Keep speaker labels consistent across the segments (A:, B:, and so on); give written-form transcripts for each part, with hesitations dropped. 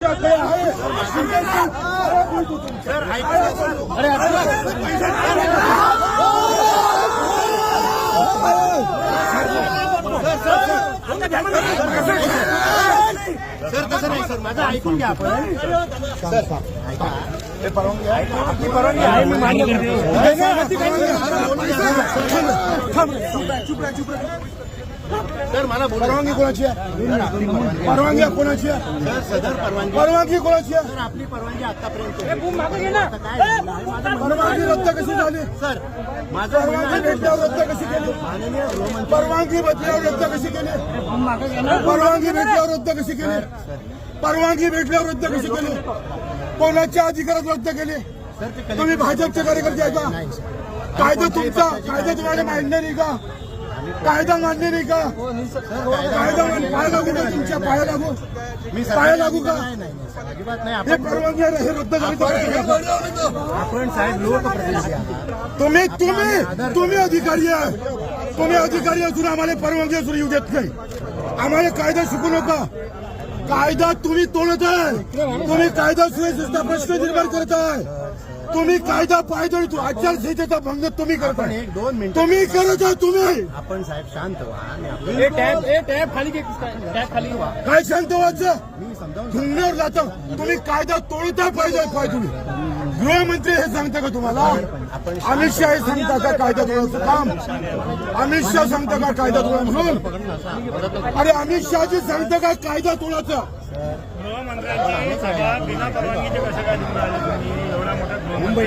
A: तुमच्याकडे आहे
B: सर तसं नाही सर, माझं ऐकून घ्या आपण. सर ऐका,
A: हे परवानगी आहे,
B: आपली परवानगी आहे, मी मान्य करतो. सर मला
A: परवानगी कोणाची आहे? परवानगी कोणाची आहे?
B: सर सदर
A: परवानगी कोणाची आहे?
B: सर आपली परवानगी आतापर्यंत
A: परवानगी रद्द कशी झाली?
B: सर माझं
A: परवानगी भेटल्यावर रद्द कशी केली?
B: माननीय गृहमंत्री
A: परवानगी भेटल्यावर रद्द कशी केली? परवानगी भेटल्यावर रद्द कशी केली? परवानगी भेटल्यावर रद्द कशी केली? कोणाच्या अधिकारात रद्द केली? तुम्ही भाजपचे कार्यकर्ते आहे का? कायदा तुमचा, कायदा तुम्हाला मान्य नाही का? कायदा मान्य नाही का? कायदा पाय लागू का? तुमच्या पाया लागू? पाया लागू का?
B: अजिबात नाही.
A: हे परवानगी आहे, हे रद्द झाली.
B: आपण साहेब लोकप्रतिनिधी आहात.
A: तुम्ही अधिकारी आहे. तुम्ही अधिकारी असून आम्हाला परवानगी असून येऊ देत नाही. आम्हाला कायदा शिकू नका. कायदा तुम्ही तोडत आहे. तुम्ही कायदा सुव्यवस्थेचा प्रश्न निर्माण करत आहे. तुम्ही कायदा पायदळी आचारसंहितेचा भंग तुम्ही करताय.
B: 1-2 मिनिट
A: तुम्ही करत आहे. तुम्ही
B: आपण साहेब शांत व्हा आणि आपण
C: टॅब खाली व्हा.
A: काय शांत व्हायचं?
B: मी समजावून
A: धुंगण्यावर जातं. तुम्ही कायदा तोडता पाहिजे. पाय तुम्ही गृहमंत्री हे सांगता का तुम्हाला? अमित शहा हे सांगता का कायदा तोडायचं काम? अमित शहा सांगता का कायदा तोडा म्हणून? अरे अमित शहाजी सांगता का कायदा तोडायचं?
C: गृहमंत्र्यांची सभा बिना परवानगीचे कसं काय निवडून आले तुम्ही? एवढा मोठा
A: मुंबई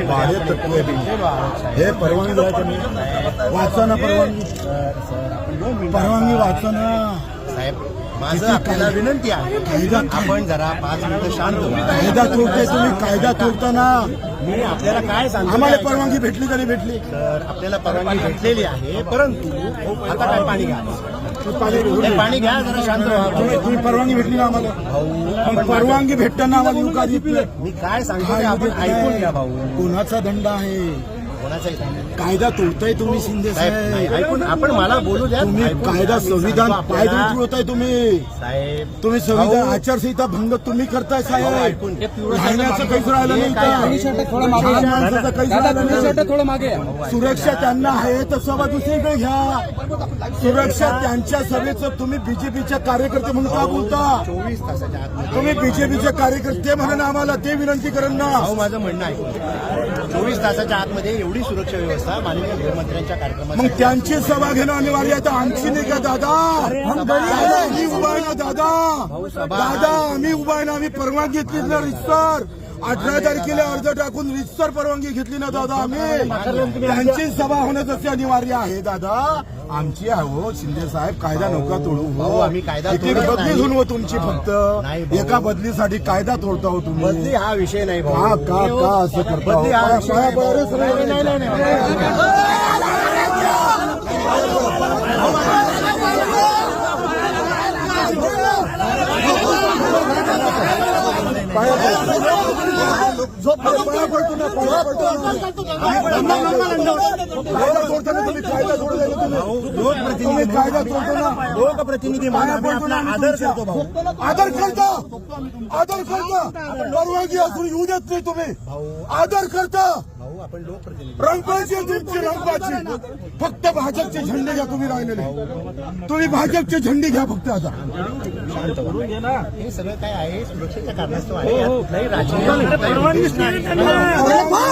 A: हे परवानगी द्यायचं नाही. वाचा ना परवानगी वाचा ना
B: साहेब माझं आपल्याला विनंती आहे. आपण जरा 5 मिनिटं शांत व्हा.
A: कायदा तोडते तुम्ही. कायदा तोडताना
B: मी आपल्याला काय सांगतो
A: आम्हाला परवानगी भेटली का नाही भेटली?
B: तर आपल्याला परवानगी भेटलेली आहे, परंतु आता काय पाणी घ्या. हे पाणी घ्या, जरा शांत व्हा.
A: तुम्ही परवानगी भेटली ना आम्हाला? पण परवानगी भेटताना आम्हाला येऊ का देत नाही?
B: मी काय सांगतो ते आपण ऐकून घ्या भाऊ.
A: कोणाचा दंड आहे?
B: कोणाचाही सांगा.
A: कायदा तोडताय तुम्ही शिंदे
B: साहेब नाही,
A: साहेब.
B: ऐकून आपण मला बोलू द्या.
A: तुम्ही
B: ऐकून
A: कायदा
B: घ्या.
A: संविधान
B: आपल्याला-
A: पायदळी तुडवताय तुम्ही.
B: साहेब
A: तुम्ही संविधान
B: भाऊ,
A: आचारसंहिता भंग तुम्ही करताय साहेब.
B: ऐकून घ्या.
A: राहण्याचं काहीच राहिलं नाही
B: काय आहे?
A: का? लहान माणसाचं काहीच राहिलं नाही.
C: थोडं मागे
A: सुरक्षा त्यांना आहे तर सभा दुसरीकडे घ्या. सुरक्षा त्यांच्या सभेचं तुम्ही बीजेपीच्या कार्यकर्ते म्हणून का बोलता?
B: 24 तासाच्या आतमध्ये
A: तुम्ही बीजेपीचे कार्यकर्ते म्हणून आम्हाला ते विनंती करेन ना.
B: भाऊ माझं म्हणणं आहे, 24 तासाच्या आतमध्ये एवढी सुरक्षा व्यवस्था माननीय गृहमंत्र्यांच्या कार्यक्रमात
A: मग त्यांची सभा घेणं अनिवार्य आहे. तर आमची नाही का दादा? दादा आम्ही उभा आहे ना दादा. दादा आम्ही उभा आहे ना. आम्ही परवानगी घेतली ना रितसर. 18 तारखेला अर्ज टाकून रितसर परवानगी घेतली ना दादा आम्ही. त्यांची सभा होणं जसे अनिवार्य आहे दादा. आमची आहे हो शिंदे साहेब. कायदा नका तोडू
B: भाऊ,
A: हो.
B: आम्ही कायदा
A: एक
B: तोडत
A: बदली
B: नाही.
A: होऊन हो तुमची
B: नाही
A: फक्त
B: भाऊ.
A: एका बदलीसाठी कायदा तोडता हो तुम्ही.
B: बदली हा विषय नाही भाऊ.
A: का का का असं करता हो?
B: बदली हा विषय
A: पाया
B: नाही भाऊ.
A: पडायला सगळं
B: नाही, नाही, नाही.
A: पाया पडतो ना. पाया पडतो कायदा तोडताना तुम्ही कायदा तोडला तुम्ही कायदा तोडतो ना.
B: लोकप्रतिनिधी म्हणून आम्ही आपला आदर करतो भाऊ.
A: आदर करता. आदर करता. परवानगी असून येऊ देत नाही तुम्ही. आदर करता.
B: भाऊ आपण लोकप्रतिनिधी.
A: रंगाची आहे तुमची रंगाची. फक्त भाजपचे झेंडे घ्या तुम्ही राहिलेले. तुम्ही भाजपचे झेंडे घ्या फक्त आता.
B: हे सगळं काय आहे सुरक्षेच्या कारणास्तव आहे. यात कुठलाही राजकीय